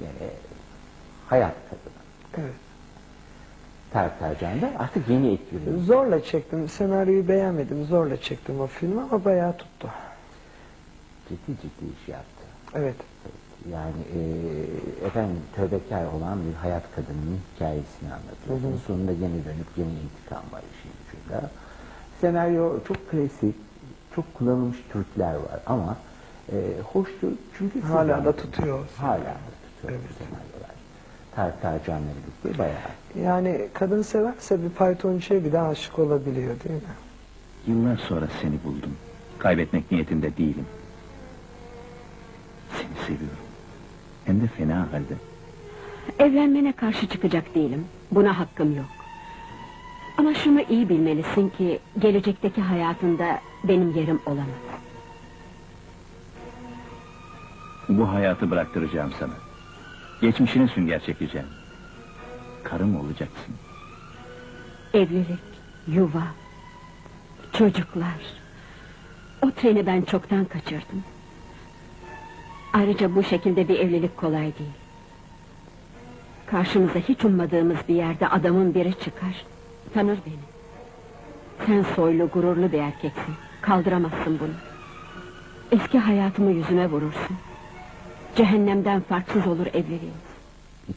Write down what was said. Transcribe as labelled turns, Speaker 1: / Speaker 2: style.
Speaker 1: hayat kadını.
Speaker 2: Evet.
Speaker 1: Tarık Tarcan'da artık yeni etkiliyor.
Speaker 2: Zorla çektim. Senaryoyu beğenmedim. Zorla çektim o filmi ama bayağı tuttu.
Speaker 1: Ciddi iş yaptı.
Speaker 2: Evet.
Speaker 1: Yani efendim tövbekar olan bir hayat kadının hikayesini anlatıyor. Sonunda yeni dönüp yeni intikam var işin ucunda. Senaryo çok klasik, çok kullanılmış Türkler var ama hoştur çünkü
Speaker 2: Hala da tutuyor.
Speaker 1: Hala da tutuyor bu senaryolar. Tarık Tarcan'la birlikte bayağı.
Speaker 2: Yani kadın severse bir faytoncuya bir de aşık olabiliyor değil mi?
Speaker 3: Yıllar sonra seni buldum. Kaybetmek niyetinde değilim. Seni seviyorum. Hem de fena halde.
Speaker 4: Evlenmene karşı çıkacak değilim. Buna hakkım yok. Ama şunu iyi bilmelisin ki gelecekteki hayatında benim yerim olamaz.
Speaker 3: Bu hayatı bıraktıracağım sana. Geçmişine sünger çekeceğim. Karım olacaksın.
Speaker 4: Evlilik, yuva, çocuklar. O treni ben çoktan kaçırdım. Ayrıca bu şekilde bir evlilik kolay değil. Karşımıza hiç ummadığımız bir yerde adamın biri çıkar. Tanır beni. Sen soylu, gururlu bir erkeksin. Kaldıramazsın bunu. Eski hayatımı yüzüme vurursun. Cehennemden farksız olur evliliğim.